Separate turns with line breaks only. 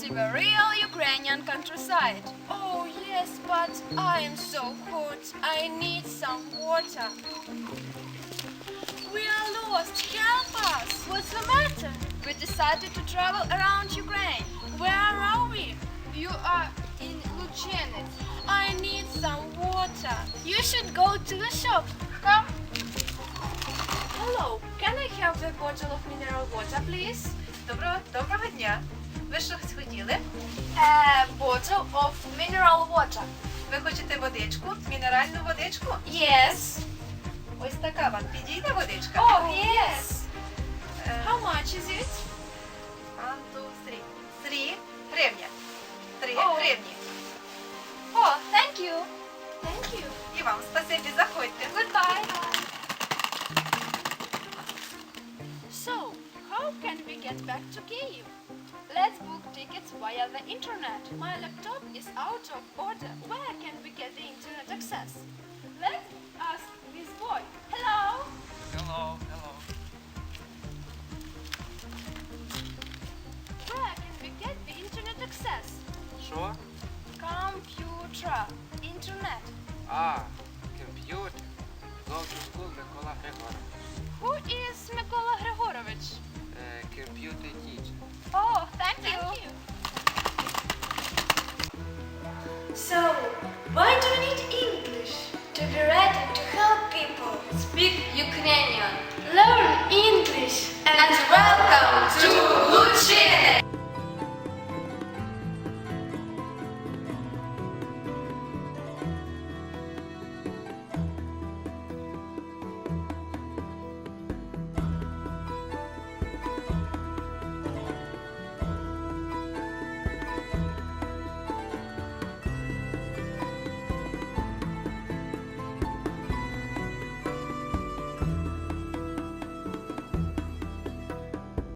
live a real Ukrainian countryside. Oh yes, but I am so hot. I need some water. We are lost. Help us. What's the matter? We decided to travel around Ukraine. Where are we? You are in Luchenets. I need some water. You should go to the shop. Come. Hello, can I have a bottle of mineral water, please?
Доброго дня. Ви що хотіли?
A bottle of mineral water.
Ви хочете водичку? Мінеральну водичку?
Yes.
Ось така вам підійде водичка?
Oh, yes.
Е,
How much is it?
1, 2, 3. 3 гривня. 3
О.
гривні.
Oh, thank you. Thank you.
І вам спасибі, заходьте.
Goodbye. So, how can we get back to Kyiv? Let's book tickets via the internet. My laptop is out of order. Where can we get the internet access? Let's ask this boy. Hello?
Hello, hello.
Where can we get the internet access?
Що?
Computer. Internet.
Комп'ютер. Go to school, Микола Григорович.
Who is Mykola Grigorovich?
Computer teacher.
Oh, thank you.